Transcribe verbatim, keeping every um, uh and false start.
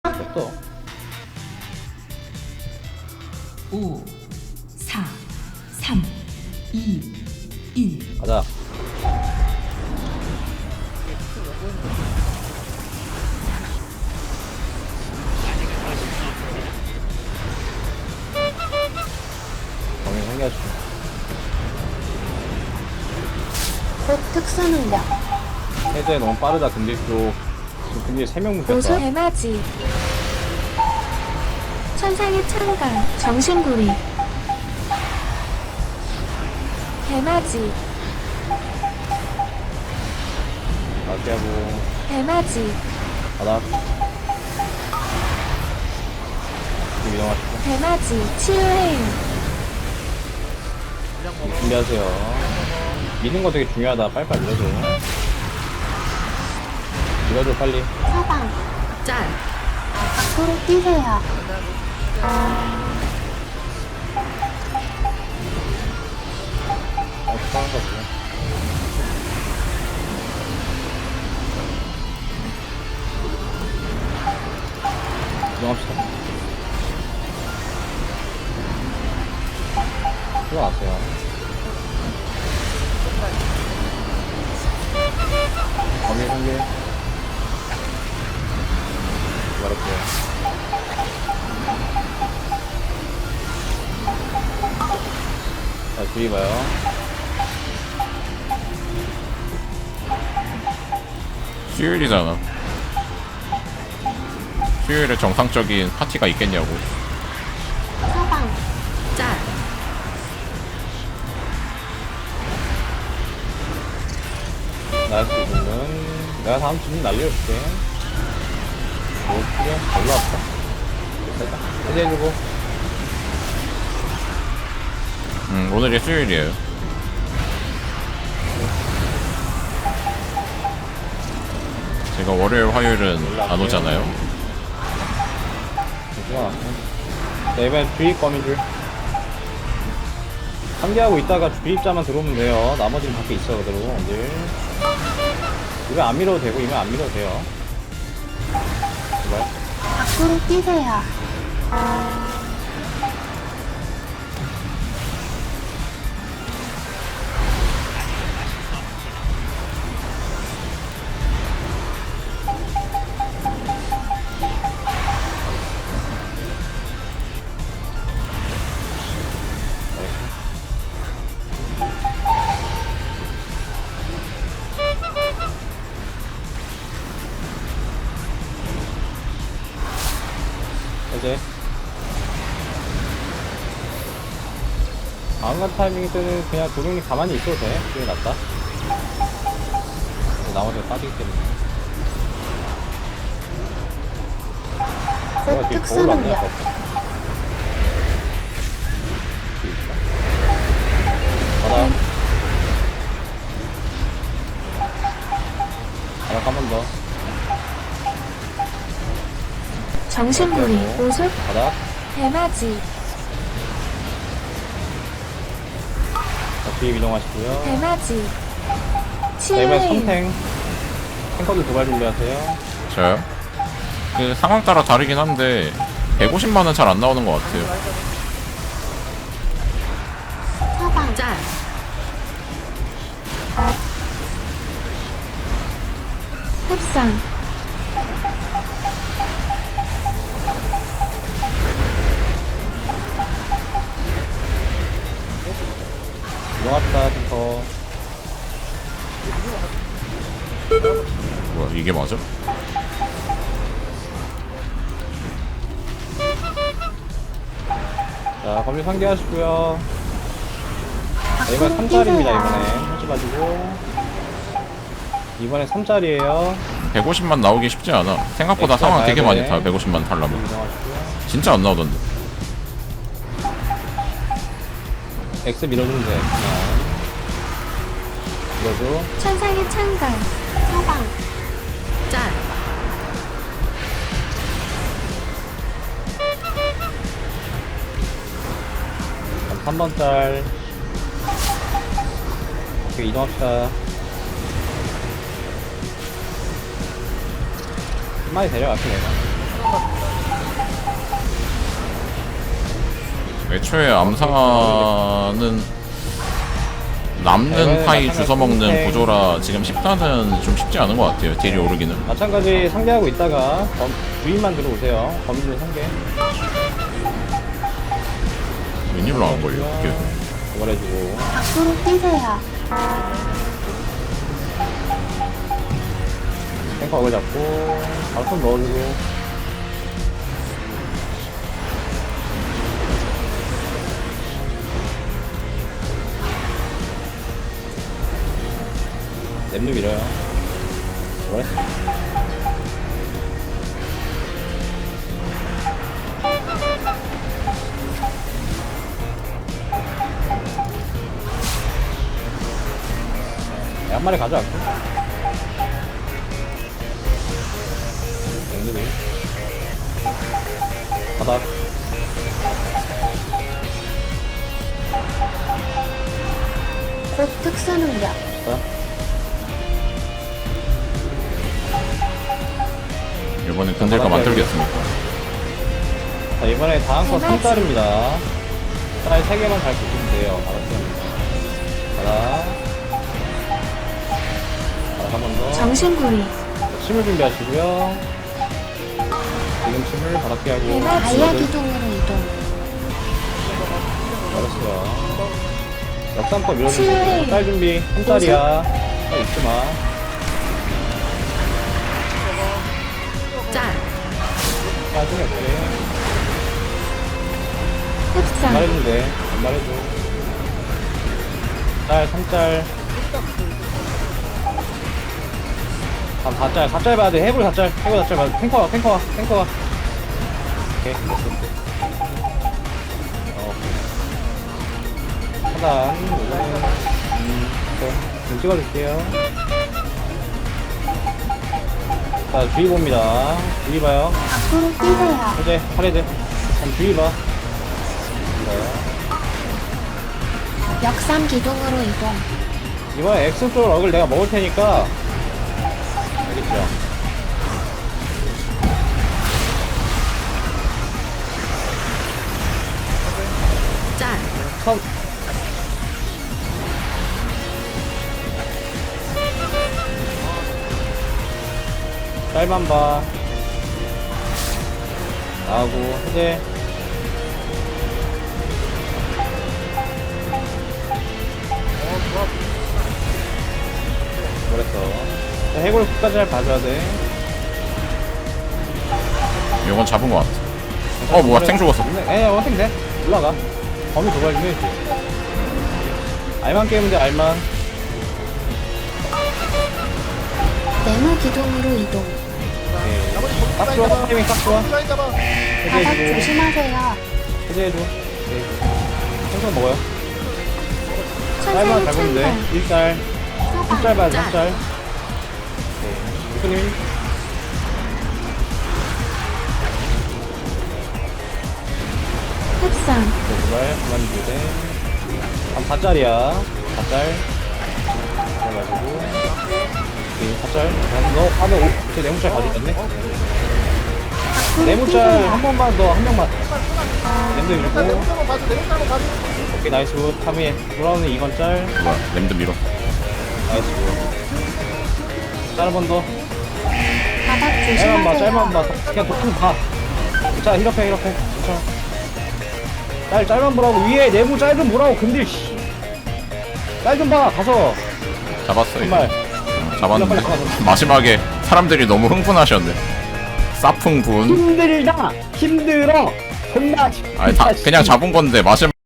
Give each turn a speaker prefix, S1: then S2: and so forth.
S1: 또
S2: 오, 사, 삼, 이, 일.
S1: 가자. 범인 생겨주고.
S3: 곧 특수 능력.
S1: 해제 너무 빠르다. 근데 쪽 지금 근데 세 명 묶였다.
S3: 고수 대마지. 천상의 창강. 정신구리. 대마지.
S1: 마피하고
S3: 대마지.
S1: 바닥. 지금 이동하시고
S3: 대마지. 치유해요.
S1: 준비하세요. 미는 거 되게 중요하다. 빨리빨리 밀어줘. 밀어줘 빨리.
S3: 사방.
S2: 짤.
S3: 밖으로 뛰세요.
S1: 어, 축하한 거지. 이동합시다. 들어가세요. 범위 공개. 기다릴게요. 자, 주의 봐요.
S4: 수요일이잖아. 수요일에 정상적인 파티가 있겠냐고.
S3: 사방.
S2: 짤.
S1: 나이스 부분은 내가 다음 주는 날려줄게. 뭐 필요? 별로 없다. 됐다. 해제해주고.
S4: 음, 오늘이 수요일이에요. 제가 월요일, 화요일은 안 오잖아요.
S1: 시간 자, 이번엔 주입 거미줄. 상기하고 있다가 주입자만 들어오면 돼요. 나머지는 밖에 있어, 그대로. 언제. 이거 안 밀어도 되고, 이거 안 밀어도 돼요. 제발.
S3: 밖으로 뛰세요.
S1: 이제 다음 간 타이밍 때는 그냥 도둑님 가만히 있어도 돼. 그게 낫다. 나머지가 빠지기 때문에.
S3: 곧
S1: 내가 뒤에
S3: 특수
S1: 거울 안
S3: 능력.
S1: 내놨어. 바닥. 바닥 한 번 더.
S3: 정신구리.
S1: 네,
S3: 고수
S1: 바닥.
S3: 대마지.
S1: 자, 뒤에 이동하시고요.
S3: 대마지.
S1: 자, 이번에
S3: 치유해요.
S1: 선탱. 탱커들 도발 준비하세요.
S4: 저요? 그 상황 따라 다르긴 한데 백오십만은 잘 안 나오는 것 같아요.
S3: 사방.
S2: 짤.
S3: 흡상.
S1: 이동합시다, 탱커.
S4: 뭐야, 이게 맞아?
S1: 자, 검리 상기하시고요. 자, 이번에
S3: 밖으로
S1: 삼 짜리입니다,
S3: 뛰세요.
S1: 이번에. 하지 마시고. 이번에 삼 짜리에요.
S4: 백오십만 나오기 쉽지 않아. 생각보다
S1: 엑스트라
S4: 상황 되게
S1: 가야
S4: 많이
S1: 돼.
S4: 타. 백오십만 달라면
S1: 이동하시고요.
S4: 진짜 안 나오던데.
S1: X 밀어주면 돼, 그냥. 밀어줘.
S3: 천상의 창강. 사방.
S2: 짤.
S1: 삼 번 짤. 오케이, 이동합시다. 한 마리 데려갈게, 내가.
S4: 애초에 암사는 남는 파이 주워먹는 구조라 지금 십 단은 좀 쉽지 않은 것 같아요. 딜이 오르기는.
S1: 마찬가지 상대하고 있다가 범, 주인만 들어오세요. 범주 상대.
S4: 웬일로 안 걸려? 이게.
S1: 도발해주고.
S3: 밖으로 뛰세요.
S1: 탱커 어글 잡고 바로 손 넣어주고. 램도 밀어요. 도발했어. 네, 한 마리 가져갈게. 앵글이 바닥.
S3: 곧 특수 능력.
S1: 자,
S4: 이번엔 근딜까 만들겠습니까?
S1: 자 이번에 다음 거 삼 달입니다. 달 세 개만 잘 보시면 돼요. 알았죠? 바닥. 바닥 한 번 더.
S3: 정신구리.
S1: 침을 준비하시고요. 지금 침을 바닥게 하고.
S3: 다이아 기둥으로 이동.
S1: 알았어요. 역삼법 밀어주고.
S3: 치유해.
S1: 딸 준비. 한 달이야. 딸 잊지 마.
S2: 짤,
S1: 나중에 어떻게
S3: 흡상.
S1: 말해주면 돼. 안 말해줘. 짤, 삼 짤. 다음 사 짤, 사 짤 봐야 돼. 해골 사 짤, 해골 사 짤 봐야 돼. 탱커 와, 탱커 와, 탱커 와. 오케이, 됐어. 어, 오케이. 하단, 음, 오케이. 좀 찍어줄게요. 자, 주의 봅니다. 주의 봐요.
S3: 밖으로 뛰세요.
S1: 해제, 팔해제. 그럼 주의 봐. 네.
S3: 역삼 기둥으로 이동.
S1: 이번에 엑슨 쪽 럭을 내가 먹을 테니까 알겠죠?
S2: 짤,
S1: 선 짤만 봐 나하고 해제 그랬어. 자, 해골 끝까지 잘 봐줘야 돼.
S4: 이건 잡은 것 같아. 어, 뭐야, 탱 죽었어.
S1: 에 원탱 돼. 올라가. 범위 도발 좀 해야지. 알만 게임인데 알만.
S3: 네모 기둥으로 이동.
S1: 오케이. 딱 좋아. 타이밍 딱 좋아.
S3: 바닥
S1: 해제해주고.
S3: 조심하세요.
S1: 해제해줘. 오케이. 천천히 먹어요. 짤만
S3: 천천히
S1: 잘 보면 돼.
S3: 찬다.
S1: 일 짤. 삼 짤 봐야 돼. 삼
S2: 짤.
S1: 짤. 오케이. 대표님.
S3: 흡상.
S1: 네, 도발 그만 주세. 한 사 짤이야. 사 짤. 그래가지고. 오케이. 사 짤. 너, 아, 너, 이제 네모짤 가져갔네?
S3: 밖으로
S1: 네모짤 한
S3: 뛰세요.
S1: 번만 더, 한 명만. 램도 밀고. 오케이, 나이스 굿. 타미에. 돌아오는 이 번 짤.
S4: 뭐야, 램드 밀어.
S1: 나이스 굿. 짤 한 번 더.
S3: 바닥
S1: 짤만 봐, 짤만
S3: 조심하세요.
S1: 봐. 그냥 보통 봐. 자, 이렇게, 이렇게. 괜찮아. 짤, 짤만 보라고. 위에 네모 짤 좀 보라고. 근데, 씨. 짤 좀 봐. 가서.
S4: 잡았어, 이제.
S1: 정말.
S4: 어, 잡았는데. 마지막에 사람들이 너무 흥분하셨네. 사풍분.
S1: 힘들다. 힘들어. 존나.
S4: 아니, 다, 그냥 잡은 건데, 마지막